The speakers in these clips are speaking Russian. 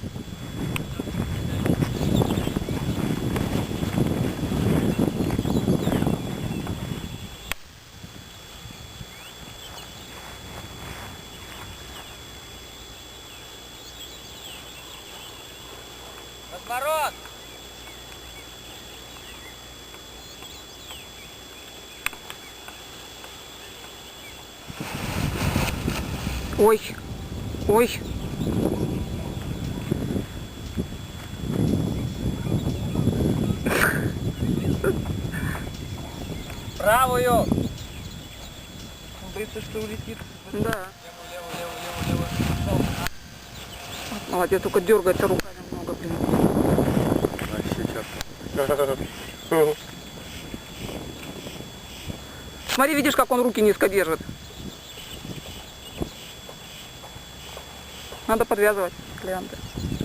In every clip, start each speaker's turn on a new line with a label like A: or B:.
A: Разворот!
B: Ой, ой.
A: Правую! Он боится, что улетит.
B: Да.
A: Лево.
B: Молодец, только дергается руками много, блин.
C: Вообще
B: Смотри, видишь, как он руки низко держит. Надо подвязывать клиенты.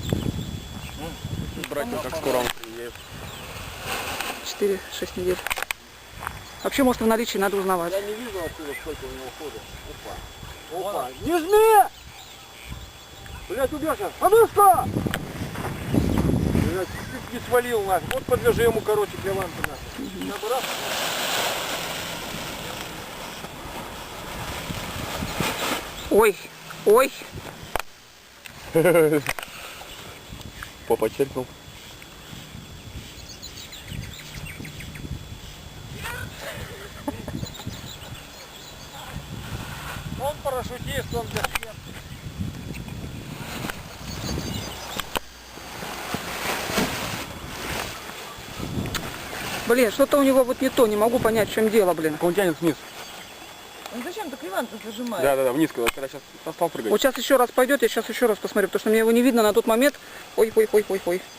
C: брать, как скоро он приедет.
B: 4-6 недель. Вообще, может, в наличии надо узнавать.
C: Я не вижу отсюда, сколько у него хода. Опа. Опа. Не жми! Блядь, убежал. А ну что? Блядь, чуть не свалил нас. Вот подвяжи ему, короче, клеванку нахуй. Набрал.
B: Ой, ой.
C: Попа черкнул.
A: Он парашютист, он без смерти.
B: Блин, что-то у него вот не то, не могу понять, в чем дело, блин.
C: Он тянет вниз.
A: Ну зачем ты клеванку зажимаешь?
C: Да, вниз, когда сейчас стал прыгать.
B: Вот сейчас еще раз пойдет, я сейчас еще раз посмотрю, потому что мне его не видно на тот момент. Ой.